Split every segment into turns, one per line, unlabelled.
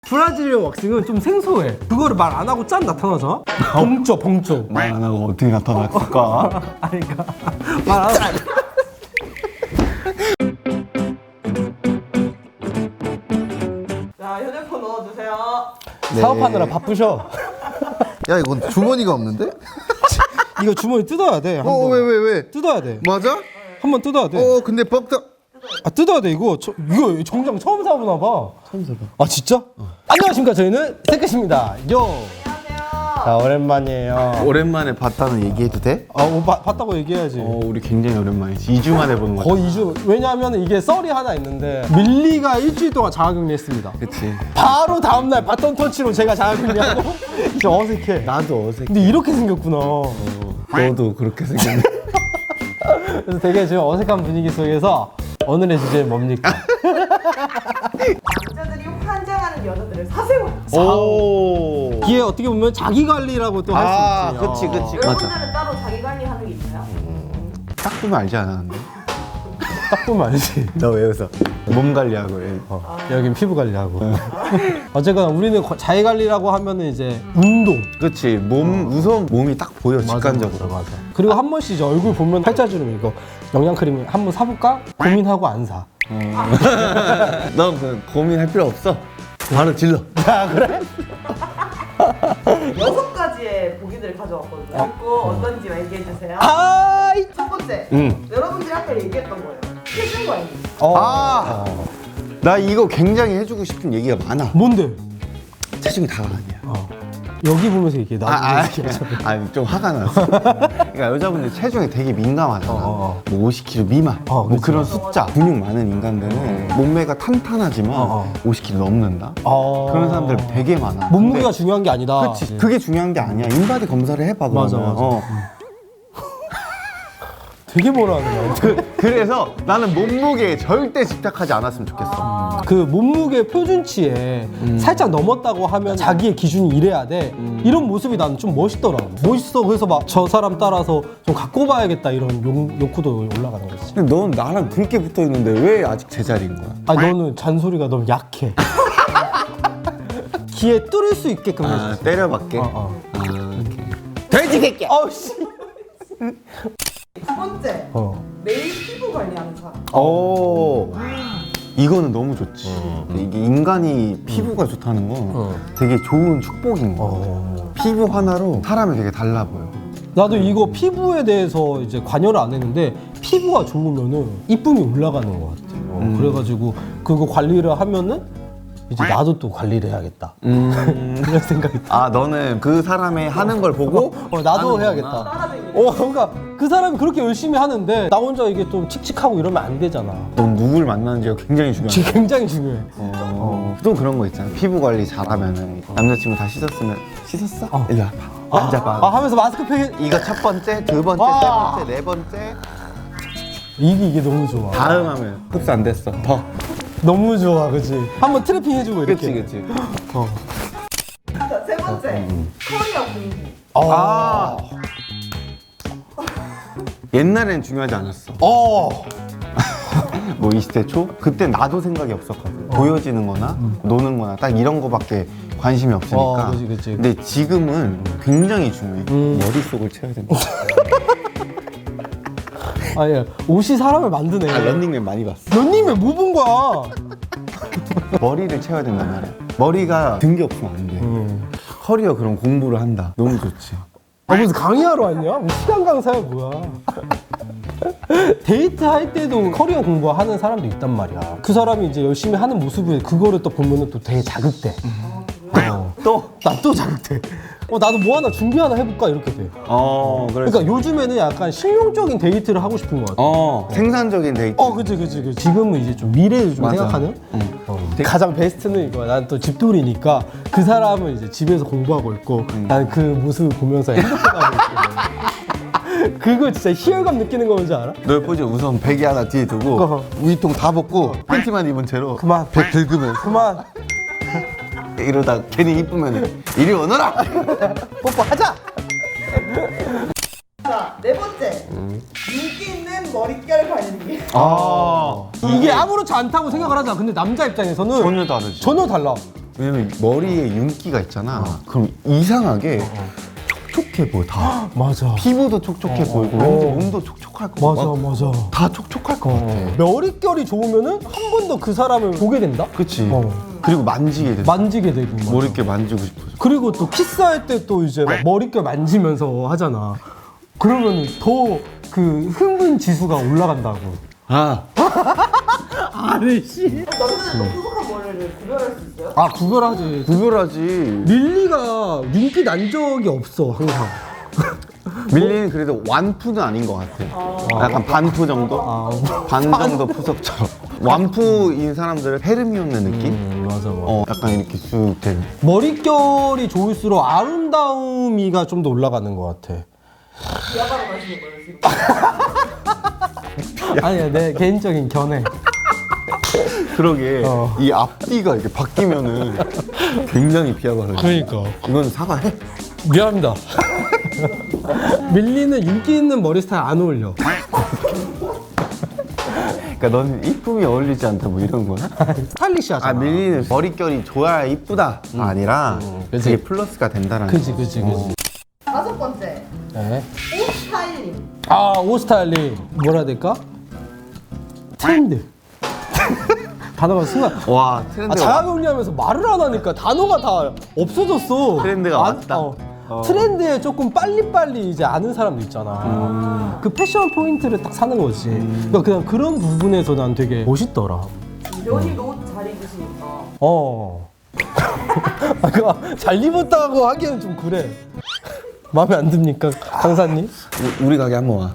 브라질리언 왁싱은 좀 생소해. 그거를 말 안 하고 짠 나타나잖아? 봉조.
말 안 하고 어떻게 나타났을까?
아니, 그러니까 말 안 하고.
자, 휴대폰 넣어주세요.
사업하느라 바쁘셔.
야 이건 주머니가 없는데?
이거 주머니 뜯어야 돼. 한 번.
왜?
뜯어야 돼.
맞아?
한번 뜯어야 돼.
근데 뻑다.
아, 뜯어야 돼. 이거 정장 처음 사보나 봐. 처음 사봐. 아, 진짜? 안녕하십니까. 저희는 세끝입니다. 요. 자, 오랜만이에요.
오랜만에 봤다는 얘기해도 돼?
봤다고 얘기해야지.
우리 굉장히 오랜만이지. 2주 만에 보는 거 같아.
거의 2주. 왜냐하면 이게 썰이 하나 있는데 밀리가 일주일 동안 자가격리했습니다.
그치.
바로 다음날 바톤 터치로 제가 자가격리하고 이제 어색해.
나도 어색해.
근데 이렇게 생겼구나.
너도 그렇게 생겼네.
그래서 되게 지금 어색한 분위기 속에서 오늘의 주제는 뭡니까?
남자들이 환장하는 여자들을 사세요.
오.
이게 어떻게 보면 자기 관리라고 또 할 수 있지.
그치.
여러분들은 따로 자기 관리하는 게 있나요?
딱 보면 알지 않았는데?
딱 보면 알지.
너 왜 웃어? 몸 관리하고 해.
여긴 피부 관리하고. 어쨌거나 우리는 자기 관리라고 하면은 이제 운동.
그치. 우선 몸이 딱 보여, 직관적으로.
맞아. 그리고 한 번씩 이제 얼굴 보면 팔자주름 이거 영양크림 한번 사볼까? 고민하고 안 사.
넌 그 고민할 필요 없어. 바로 질러.
아, 그래?
6가지의 보기들을 가져왔거든요. 그리고 어떤지 얘기해주세요.
아이.
첫 번째,
응.
여러분들이 아까 얘기했던 거예요. 체중 관리.
나 이거 굉장히 해주고 싶은 얘기가 많아.
뭔데?
체중이 다가 아니야.
여기 보면서 얘기해.
좀 화가 났어. 그러니까 여자분들 체중에 되게 민감하잖아. 뭐 50kg 미만, 뭐
그치.
그런 숫자. 근육 많은 인간들은 몸매가 탄탄하지만 50kg 넘는다. 그런 사람들 되게 많아.
몸무게가
근데
중요한 게 아니다.
그치. 그게 중요한 게 아니야. 인바디 검사를 해봐.
맞아,
그러면.
맞아. 되게 뭐라 하는 거야.
그래서 나는 몸무게에 절대 집착하지 않았으면 좋겠어.
그 몸무게 표준치에 살짝 넘었다고 하면 자기의 기준이 이래야 돼. 이런 모습이 나는 좀 멋있더라고. 멋있어. 그래서 막 저 사람 따라서 좀 갖고 봐야겠다 이런 욕구도 올라가는 거지.
근데 넌 나랑 그렇게 붙어 있는데 왜 아직 제자리인 거야?
아니 너는 잔소리가 너무 약해. 귀에 뚫을 수 있게끔 해줘.
때려박게? 오케이. 돼지 새끼!
어씨.
두 번째, 매일 피부 관리하는 사람.
이거는 너무 좋지. 이게 인간이 피부가 좋다는 건 되게 좋은 축복인 거야. 피부 하나로 사람이 되게 달라 보여.
나도 이거 피부에 대해서 이제 관여를 안 했는데 피부가 좋으면은 이쁨이 올라가는 것 같아. 그래가지고 그거 관리를 하면은 이제 나도 또 관리를 해야겠다. 그런 생각이 들.
너는 그 사람의 하는 걸 보고
나도
하는
해야겠다.
따라다니는.
그러니까 그 사람이 그렇게 열심히 하는데 나 혼자 이게 좀 칙칙하고 이러면 안 되잖아.
넌 누굴 만나는지가 굉장히 중요해.
지금 굉장히 중요해.
또 그런 거 있잖아. 피부 관리 잘하면은 남자친구 다 씻었으면 씻었어? 일로 와봐. 앉아봐.
하면서 마스크팩
이거 첫 번째, 두 번째, 세 번째, 네 번째.
이게 너무 좋아.
다음 하면 흡수 안 됐어. 더.
너무 좋아, 그치? 한번 트래핑 해주고 이렇게.
그치.
자, 세 번째, 커리어 공부.
옛날엔 중요하지 않았어. 뭐 20대 초? 그때 나도 생각이 없었거든. 보여지는 거나 노는 거나 딱 이런 거밖에 관심이 없으니까.
그치.
근데 지금은 굉장히 중요해. 머릿속을 채워야 된다.
예. 옷이 사람을 만드네.
런닝맨 많이 봤어.
런닝맨 뭐 본 거야?
머리를 채워야 된단 말이야. 머리가 든 게 없으면 안 돼. 커리어 그런 공부를 한다. 너무 좋지.
무슨 강의하러 왔냐? 뭐 시간 강사야 뭐야? 데이트 할 때도 커리어 공부하는 사람도 있단 말이야. 그 사람이 이제 열심히 하는 모습을 그거를 또 보면은 또 되게 자극돼. 나 또 자극돼. 나도 뭐 하나 준비 하나 해볼까 이렇게 돼. 그러니까 요즘에는 약간 실용적인 데이트를 하고 싶은 것 같아.
생산적인 데이트.
그치. 지금은 이제 좀 미래를 좀
맞아.
생각하는. 가장 베스트는 이거야. 난 또 집돌이니까 그 사람은 이제 집에서 공부하고 있고 난 그 모습을 보면서 행복하고 있고. 그거 진짜 희열감 느끼는 거 뭔지 알아?
너 예쁘지? 우선 베개 하나 뒤에 두고 우유통 다 벗고 팬티만 입은 채로
그만.
배 긁으면서
그만.
이러다 괜히 이쁘면 이리 오너라!
뽀뽀하자.
자, 네 번째, 인기 있는 머릿결 관리.
이게 아무렇지 않다고 생각을 하잖아. 근데 남자 입장에서는
전혀 다르지.
전혀 달라.
왜냐면 머리에 윤기가 있잖아. 그럼 이상하게 촉촉해 보여 다.
맞아.
피부도 촉촉해 보이고 왠지 몸도 촉촉할 것 같아.
맞아.
다 촉촉할 것 같아.
머릿결이 좋으면은 한 번 더 그 사람을 보게 된다?
그치.
어.
그리고 만지게 돼.
만지게 되고. 맞아.
머릿결 만지고 싶어져.
그리고 또 키스할 때 또 이제 막 머릿결 만지면서 하잖아. 그러면 더 그 흥분 지수가 올라간다고.
아.
아니 씨.
남자들도 푸석한 머리를 구별할 수 있어요?
아 구별하지.
구별하지.
릴리가 윤기 난 적이 없어 항상.
밀리는 그래도 완푸는 아닌 것 같아. 약간 반푸 정도? 반 정도 푸석처럼. 완푸인 사람들은 헤르미온의 느낌?
맞아.
약간 이렇게 쑥 되는.
머릿결이 좋을수록 아름다움이가 좀 더 올라가는 것 같아.
비하가로 가시는 거예요 지금?
아니야 내 개인적인 견해.
그러게 이 앞뒤가 이렇게 바뀌면은 굉장히 비하가
그러니까.
이건 사과해.
미안합니다. 밀리는 윤기 있는 머리 스타일 안 어울려.
그러니까 넌 이쁨이 어울리지 않다 뭐 이런 거야?
스타일리시하잖아.
아 밀리는 머릿결이 좋아야 이쁘다 아니라
그치.
그게 플러스가 된다는
그지.
5번째
네.
옷 스타일링.
아, 옷 스타일링. 뭐라 해야 될까? 트렌드. 단어가 순간.
와 트렌드가
자가 격리하면서 말을 안 하니까 단어가 다 없어졌어.
트렌드가 왔다.
트렌드에 조금 빨리빨리 이제 아는 사람도 있잖아. 그 패션 포인트를 딱 사는 거지. 그러니까 그냥 그런 부분에서 난 되게 멋있더라.
연희도 옷 잘 입으시니까.
아, 그거 잘 입었다고 하기엔 좀 그래. 마음에 안 듭니까, 강사님?
우리 가게 한번 와.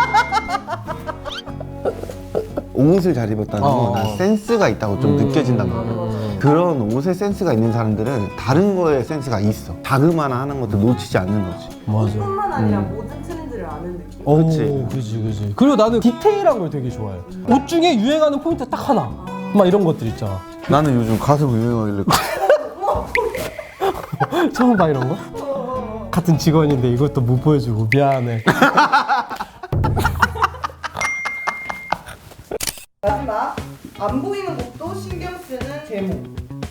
옷을 잘 입었다는 건 난 센스가 있다고 좀 느껴진단 말이야. 그런 옷에 센스가 있는 사람들은 다른 거에 센스가 있어. 자그마나 하는 것도 놓치지 않는 거지.
맞아.
뿐만 아니라 모든 트렌드를 아는 느낌.
그치. 그리고 나는 디테일한 걸 되게 좋아해. 옷 중에 유행하는 포인트 딱 하나. 막 이런 것들 있잖아.
나는 요즘 가슴 유행하길래
처음 봐 이런 거? 같은 직원인데 이것도 못 보여주고 미안해.
마지막 안 보이는 것도 신경 쓰는 제목.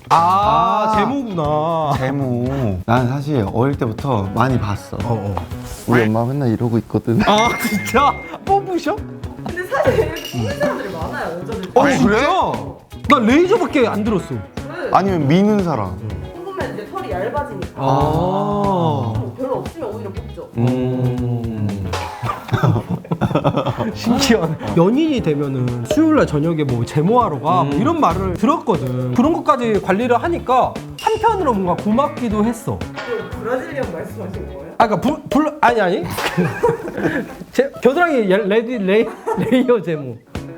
제모구나.
제모. 난 사실 어릴 때부터 많이 봤어. 우리 엄마 맨날 이러고 있거든.
아 진짜? 뽑으셔?
근데 사실 보는 사람들이 많아요 여자들.
진짜? 나 레이저밖에 안 들었어.
그래.
아니면 미는 사람.
뽑으면 이제 털이 얇아지니까.
아.
별로 없으면 오히려 뽑죠.
신기하네. 연인이 되면은 수요일날 저녁에 뭐 제모하러 가 뭐 이런 말을 들었거든. 그런 것까지 관리를 하니까 한편으로 뭔가 고맙기도 했어.
그 브라질리언 말씀하신 거예요?
아, 그러니까 아니. 겨드랑이 레이어 제모.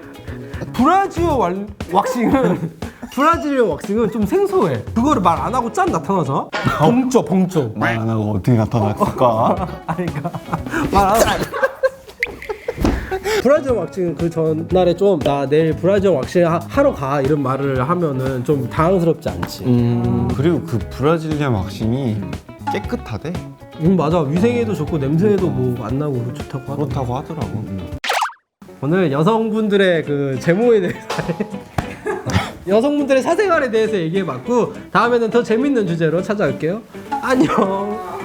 브라질리언 왁싱은 좀 생소해. 그거를 말 안 하고 짠 나타나잖아? 봉조.
말 안 하고 어떻게 나타났을까?
아니, 그러니까 말 안 하고. 브라질 왁싱은 그 전날에 좀 나 내일 브라질 왁싱 하러 가 이런 말을 하면은 좀 당황스럽지 않지.
그리고 그 브라질리안 왁싱이 깨끗하대.
맞아. 위생에도 좋고 냄새도 뭐 안 나고 좋다고 하더라고.
그렇다고 하더라고.
오늘 여성분들의 그 제모에 대해서 여성분들의 사생활에 대해서 얘기해봤고 다음에는 더 재밌는 주제로 찾아올게요. 안녕.